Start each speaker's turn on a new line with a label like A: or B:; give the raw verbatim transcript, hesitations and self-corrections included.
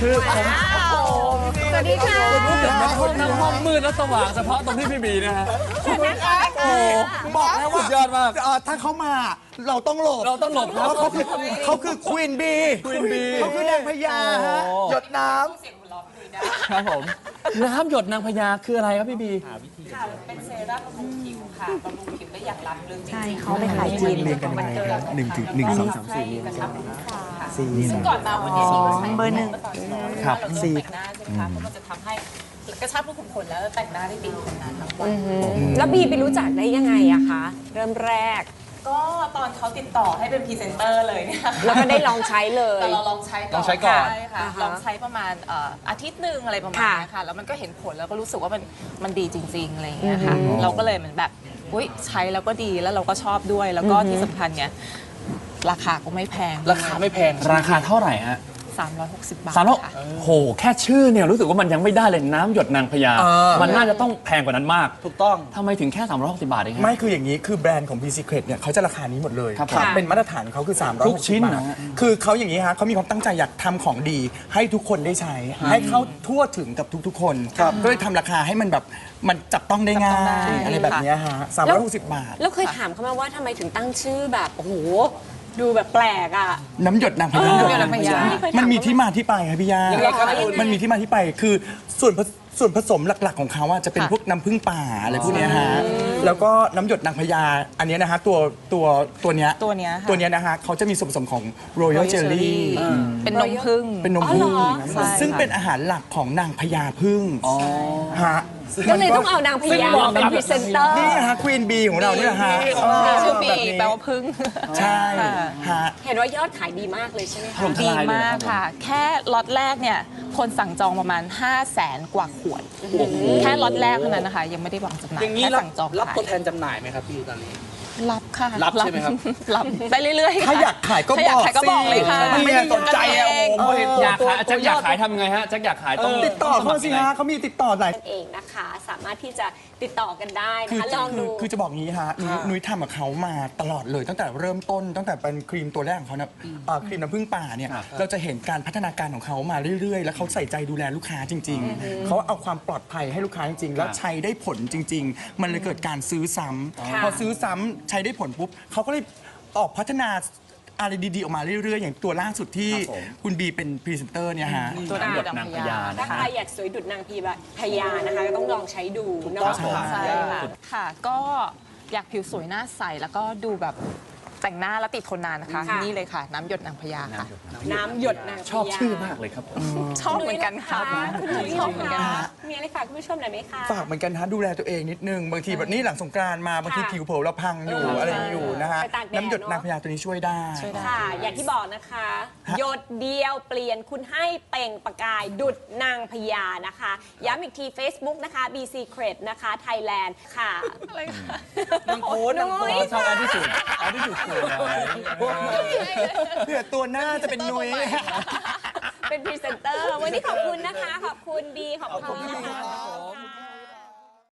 A: คือผม
B: สวัสดีค่ะ
C: ห้องน้ำห้องมืดและสว่างเฉพาะตรงที่พี่บีนะฮะ
A: โอ้บอกแล้วว่า
C: สุดยอดมาก
A: เอ่อถ้าเขามาเราต้องหลบ
C: เราต้องหลบครับ
A: เพราะเขาคือเขาคือควีนบี
C: Queen Bee
A: เขาคือนางพญาฮะ
C: โอ้
A: หยดน้
C: ครับผมน้ำหยดนางพญาคืออะไรครับพี่บี
D: ค่ะเป็นเซรั่มบำรุงผิวค่ะบำรุงผิวได้อย่างล้ำลึกจริงๆ
B: ใช่เขาไปขายจีน
A: ำเรียงกันยังไงครับหนึ่งถึงหนึ่งสองสามสี่
D: กระชับผิวค่ะ
A: สี่
D: ซึ่งก่อนมาวันนี้นี่ก็ใช้
B: เบอร์หนึ่ง
A: ครับ
D: เรา
A: สี่
D: แต่งหน้าใช่ไหมคะเพราะมันจะทำให้กระชับรูขุมขนแล้วแต่งหน้าได้ติดทนนานทั้งวัน
B: แล้วบีไปรู้จักได้ยังไงอะคะ เริ่มแรก
D: ก็ตอนเขาติดต่อให้เป็นพรีเซนเตอร์เลยเนี่ย
B: แล้วก็ได้ลองใช้เลย
D: แต่เราลองใช้ก่อน
C: ลองใช้ก่อน
D: ใช่ค่ะ
B: อ่าฮะ
D: ลองใช้ประมาณเอ่ออาทิตย์หนึ่งอะไรประมาณ
B: ค่ะ
D: นี้ค่ะแล้วมันก็เห็นผลแล้วก็รู้สึกว่ามันมันดีจริงๆอะไรอย่างเงี้ยค่ะเราก็เลยเหมือนแบบอุ้ยใช้แล้วก็ดีแล้วเราก็ชอบด้วยแล้วก็ที่สำคัญเนี่ยราคาก็ไม่แพง
C: ราคาไม่แพงราคาเท่าไหร่ฮะ
D: สามร้อยหกสิบบาท
C: สามร้อย
D: ค่ะ
C: โหแค่ชื่อเนี่ยรู้สึกว่ามันยังไม่ได้เลยน้ำหยดนางพญา
A: เออ
C: มันน่าจะต้องแพงกว่านั้นมาก
A: ถูกต้อง
C: ทำไมถึงแค่สามร้อยหกสิบบาทเองฮะ
A: ไม่คืออย่างนี้คือแบรนด์ของ B Secret เนี่ยเขาจะราคานี้หมดเลย
C: ครับ
A: ครับ
C: ผม
A: เป็นมาตรฐานของเขาคือ300
C: ทุกชิ้น
A: บาท
C: นะฮะ
A: คือเขาอย่างนี้ฮะเขามีความตั้งใจอยากทำของดี ให้ทุกคนได้ใช้ ให้เข้าทั่วถึงกับทุกๆ คนก็เลยทำราคาให้มันแบบมันจับต้องได้ง่า
D: จับต้องได้
A: ยอะไรแบบเนี้ยฮะสามร้อยหกสิบบาท
B: แล้วเคยถามเขาไหมาว่าทำไมถึงตั้งชื่อแบบ โอ้โห ดูแบบแปลกอะ
A: น้ำหยดนางพญา
D: น้ำหยดนางพญา
A: มันมีที่มาที่ไปครับพี่ยา
B: ยังไงครับคุณ
A: มันมีที่มาที่ไปคือส่วนผสส่วนผสมหลักๆของเขาอะจะเป็น
D: ค่ะ
A: พวกน้ำผึ้งป่าอะไรพวกเนี้ยฮะแล้วก็น้ำหยดนางพญาอันเนี้ยนะฮะตัวตัวตัวเนี้ย
D: ตัวเนี้ยค่ะ
A: ตัวเนี้ยนะฮะเขาจะมีส่วนผสมของ Royal Jelly
D: เป็นนมผึ้ง
A: เป็นนม
B: อ๋อเหร
A: ผึ้ง
B: อ
D: ใช่
A: ซึ่ง
D: ค่ะ
A: เป็นอาหารหลักของนางพญาผึ้งฮะ
B: ก็เลยต้องเอานางพญามาเป็นพรีเซนเตอร์
A: นี่ฮะควีนบีของเราเนี่ยฮะ
D: ชื่อบี
A: แบบนี้
D: แปลว่าผึ้ง
A: ใช่ฮะ
B: เห็นว่ายอดขายดีมากเลยใช่ไหม
C: ถ
B: คะ
C: ล่มท
D: ดี
C: ลายเลย
D: มาก
C: รับ
D: ค่ะ แค่ล็อตแรกเนี่ย คนสั่งจองประมาณ ห้าแสนกว่าขวด แค่ล็อตแรกเท่านั้นนะคะ ยังไม่ได้วางจำหน่าย
E: อย่างนี้
D: แค่
E: รับ
D: สั่งจอง
E: รับ
D: ขาย
E: ตัวแทนจำหน่ายไหมครับพี่ตอนนี้
D: รับค่ะ
E: รับใช่ไหมครับ
D: รับได้เรื่อยๆค่ะ
A: ถ้าอยากขายก็
D: ถ้าอยาก
A: บอก
D: ขายก็บอกเลยค่ะ
A: สิมันไม่ได้สนใจอะ
D: เอง
A: โอ้โห
C: อยากขายแจ็คอยากขายทำไงฮะแจ็คอยากขายต้อง
A: ติดต่อเข้ามาสิฮะเขามีติดต่อหลาย
B: เองนะคะ สามารถที่จะติดต่อกันได้นะ
A: คือ
B: คะ ลอง
A: คื
B: ดู
A: อคือจะบอกงี้ฮะนุ้ยนุ้ยทำกับเขามาตลอดเลย ตั้งแต่เริ่มต้น ตั้งแต่เป็นครีมตัวแรกของเขานะเอ่อครีมน้ำผึ้งป่าเนี่ย
C: ครับ
A: เราจะเห็นการพัฒนาการของเขามาเรื่อยๆ แล้วเขาใส่ใจดูแลลูกค้าจริง ๆ เขาเอาความปลอดภัยให้ลูกค้าจริง ๆ แล้วใช้ได้ผลจริง ๆ มันเลยเกิดการซื้อซ้ำ
B: ค่ะ
A: พอซื้อซ้ำใช้ได้ผลปุ๊บเขาก็เลยออกพัฒนาอะไรดีๆออกมาเรื่อยๆ อย่างตัวล่าสุดที่
C: ครับผม
A: คุณบีเป็นพรีเซนเตอร์เนี่ยฮะ
D: ตัว
C: น้ำหยด
D: ดำ
C: นางพ
D: พ
C: ญา
D: ญา
B: ถ้า
C: นะ
B: ใค
C: ค
B: ร
C: รับ
B: อยากสวยดุดนางพีแบบพญานะคะ ก็ต้องลองใช้ดูเนาะ
D: ใช่ค่ะค่ะ ก็อยากผิวสวยหน้าใส แล้วก็ดูแบบแต่งหน้าแล้วติดทนนานนะคะ
B: ค่ะ
D: นี่เลยค่ะ น้ำหยดนางพญาค่ะ
B: น้ำหยดนางพญา
C: ชอบชื่อมากเลยครับผม
D: ชอบเหมือนกันค่ะ
B: คุณหนุ่ย
D: ชอบเหมือนกัน
B: ค่ะ
D: ค่ะ
B: มีอะไรฝากคุณผู้ชมหน่อยไหมคะ
A: ฝากเหมือนกันฮะดูแลตัวเองนิดนึง บางทีแบบนี้หลังสงกรานต์มาบางที
B: ค่ะ
A: ผิวเผลอเราพังอยู่
B: เอออ
A: อะไรอยู่นะฮะ
B: ไปตากแดด
A: น้ำหยด
B: เนอะ
A: นางพญาตัวนี้ช่วยได้
D: ช่วยได้
B: ค่ะ อย่างที่บอกนะคะ หยดเดียวเปลี่ยนคุณให้เปล่งประกายดุดนางพญานะคะ ย้ำอีกที Facebook นะคะ B Secret นะคะ Thailand ค่ะ
D: อะไรคะ
E: นางโพสต์นางโพสต์
C: ชอบอันที่สุดอันที่สุดคืออะไร
A: เผื่อตัวหน้าจะเป็นนุ้ย
B: เป็นพรีเซนเตอร์ วันนี้ขอบคุณนะคะ ขอบคุณบีขอบคุณค่ะ